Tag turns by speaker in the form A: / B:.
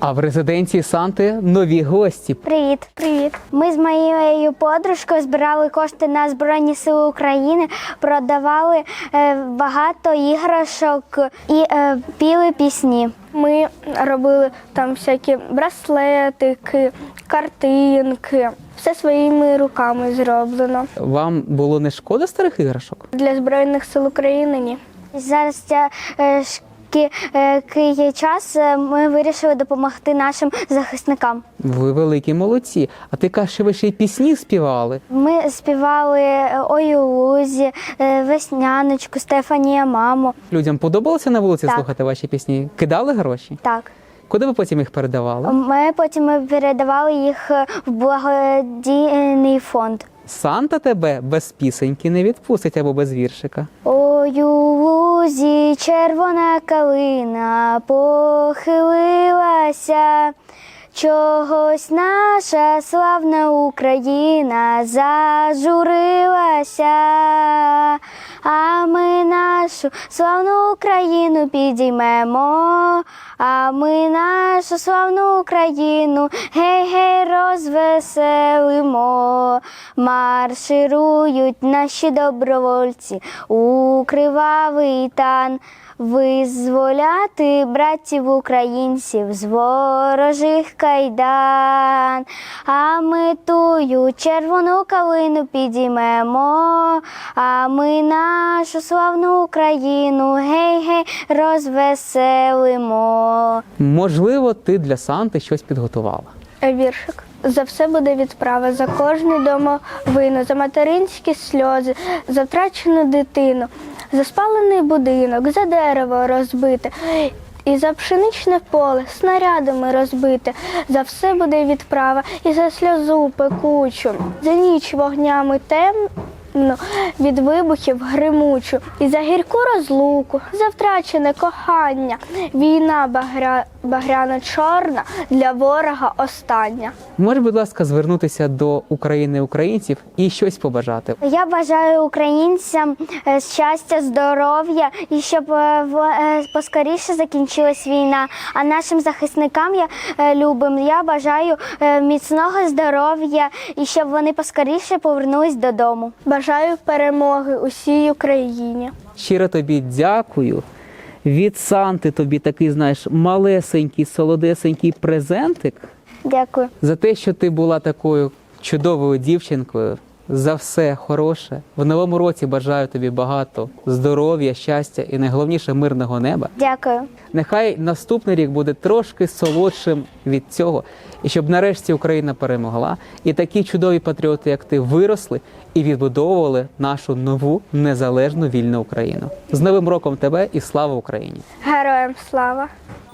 A: А в резиденції Санти нові гості.
B: Привіт. Привіт. Ми з моєю подружкою збирали кошти на Збройні Сили України, продавали багато іграшок і піли пісні. Ми робили там всякі браслетики, картинки. Все своїми руками зроблено.
A: Вам було не шкода старих іграшок?
B: Для Збройних Сил України ні. Зараз є час, ми вирішили допомогти нашим захисникам.
A: Ви великі молодці. А ти кажеш, що ви ще й пісні співали?
B: Ми співали «Ой у лузі», «Весняночку», «Стефанія, мамо».
A: Людям подобалося на вулиці
B: Так.
A: слухати ваші пісні? Кидали гроші?
B: Так.
A: Куди ви потім їх передавали?
B: Ми потім передавали їх в благодійний фонд.
A: Санта тебе без пісеньки не відпустить або без віршика.
B: Ой у лузі червона калина похилилася, чогось наша славна Україна зажурилася, а ми нашу славну Україну підіймемо, а ми нашу славну Україну гей-гей розвеселимо. Марширують наші добровольці у кривавий тан, визволяти братів українців з ворожих кайдан. А ми тую червону калину підіймемо, а ми нашу славну Україну гей-гей розвеселимо.
A: Можливо, ти для Санти щось підготувала?
B: Віршик. За все буде відправа, за кожну домовину, за материнські сльози, за втрачену дитину, за спалений будинок, за дерево розбите, і за пшеничне поле снарядами розбите. За все буде відправа, і за сльозу пекучу, за ніч вогнями темну, від вибухів гримучу, і за гірку розлуку, за втрачене кохання. Війна багряно-чорна, для ворога остання.
A: Можеш, будь ласка, звернутися до України українців і щось побажати?
B: Я бажаю українцям щастя, здоров'я і щоб поскоріше закінчилась війна. А нашим захисникам любим я бажаю міцного здоров'я і щоб вони поскоріше повернулись додому. Бажаю перемоги усій Україні.
A: Щиро тобі дякую. Від Санти тобі такий, знаєш, малесенький, солодесенький презентик.
B: Дякую.
A: За те, що ти була такою чудовою дівчинкою, за все хороше. В новому році бажаю тобі багато здоров'я, щастя і найголовніше мирного неба.
B: Дякую.
A: Нехай наступний рік буде трошки солодшим від цього, і щоб нарешті Україна перемогла, і такі чудові патріоти, як ти, виросли і відбудовували нашу нову незалежну вільну Україну. З Новим роком тебе і слава Україні!
B: Героям слава!